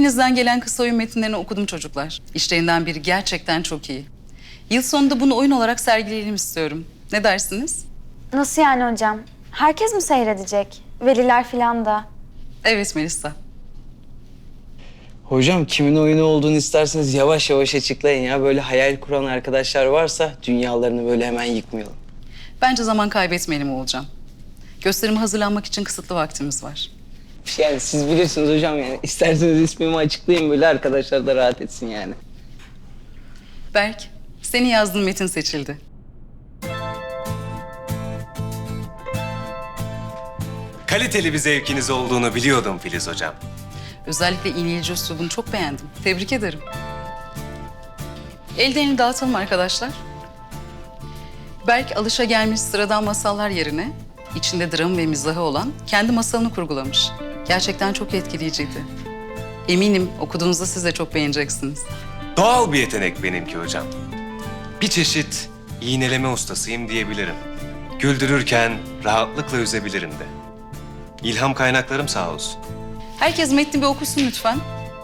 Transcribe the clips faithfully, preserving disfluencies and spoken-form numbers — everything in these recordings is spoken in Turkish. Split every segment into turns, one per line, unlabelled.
Hepinizden gelen kısa oyun metinlerini okudum çocuklar. İşlerinden biri gerçekten çok iyi. Yıl sonunda bunu oyun olarak sergileyelim istiyorum. Ne dersiniz?
Nasıl yani hocam? Herkes mi seyredecek? Veliler falan da.
Evet Melisa.
Hocam kimin oyunu olduğunu isterseniz yavaş yavaş açıklayın ya. Böyle hayal kuran arkadaşlar varsa dünyalarını böyle hemen yıkmayalım.
Bence zaman kaybetmeyelim Oğulcan. Gösterime hazırlanmak için kısıtlı vaktimiz var.
Yani siz bilirsiniz hocam yani. İsterseniz ismimi açıklayın böyle arkadaşlar da rahat etsin yani.
Berk, senin yazdığın metin seçildi.
Kaliteli bir zevkiniz olduğunu biliyordum Filiz Hocam.
Özellikle iğneyici üslubunu çok beğendim. Tebrik ederim. Ellerini dağıtalım arkadaşlar. Berk alışagelmiş sıradan masallar yerine içinde dram ve mizahı olan kendi masalını kurgulamış. Gerçekten çok etkileyiciydi. Eminim okuduğunuzda siz de çok beğeneceksiniz.
Doğal bir yetenek benimki hocam. Bir çeşit iğneleme ustasıyım diyebilirim. Güldürürken rahatlıkla üzebilirim de. İlham kaynaklarım sağ olsun.
Herkes metni bir okusun lütfen.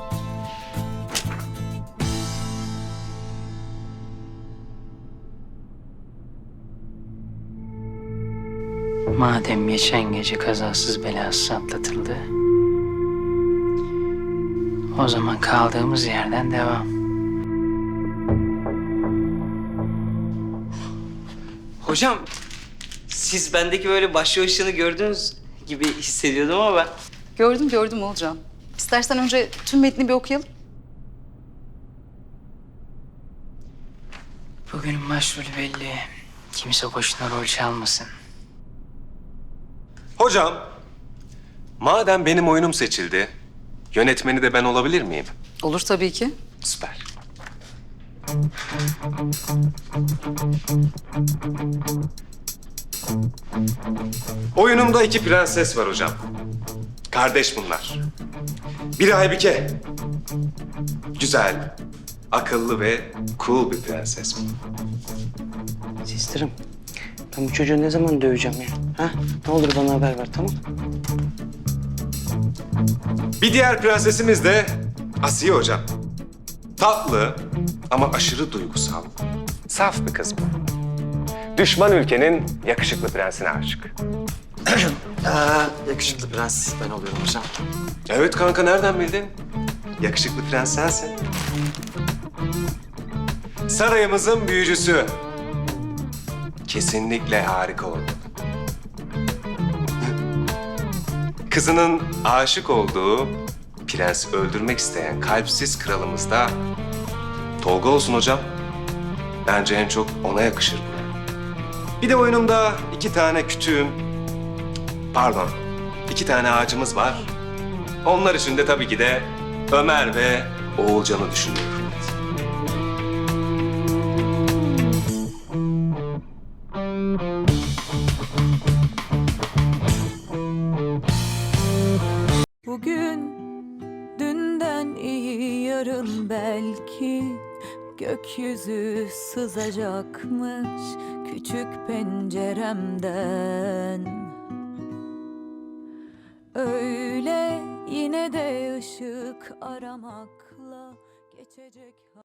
Madem geçen gece kazasız belasız atlatıldı, o zaman kaldığımız yerden devam.
Hocam siz bendeki böyle başlı gördüğünüz gibi hissediyordum ama ben...
Gördüm gördüm Oğulcan. İstersen önce tüm metni bir okuyalım.
Bugünün başrolü belli. Kimse boşuna rol çalmasın.
Hocam, madem benim oyunum seçildi, yönetmeni de ben olabilir miyim?
Olur tabii ki.
Süper. Oyunumda iki prenses var hocam. Kardeş bunlar. Biri Aybike. Güzel, akıllı ve cool bir prenses bu.
Sistirim, ben bu çocuğu ne zaman döveceğim ya? Ha? Ne olur bana haber ver, tamam?
Bir diğer prensesimiz de Asiye hocam. Tatlı ama aşırı duygusal. Saf bir kız bu. Düşman ülkenin yakışıklı prensine aşık.
Ee, yakışıklı prens ben oluyorum hocam.
Evet kanka nereden bildin? Yakışıklı prens sensin. Sarayımızın büyücüsü. Kesinlikle harika oldu. Kızının aşık olduğu, prensi öldürmek isteyen kalpsiz kralımız da Tolga olsun hocam. Bence en çok ona yakışır bu. Bir de oyunumda iki tane kütüğüm, pardon, iki tane ağacımız var. Onlar için de tabii ki de Ömer ve Oğulcan'ı düşünüyorum.
Bugün dünden iyi yarın belki gökyüzü sızacakmış küçük penceremden. Öyle yine de ışık aramakla geçecek.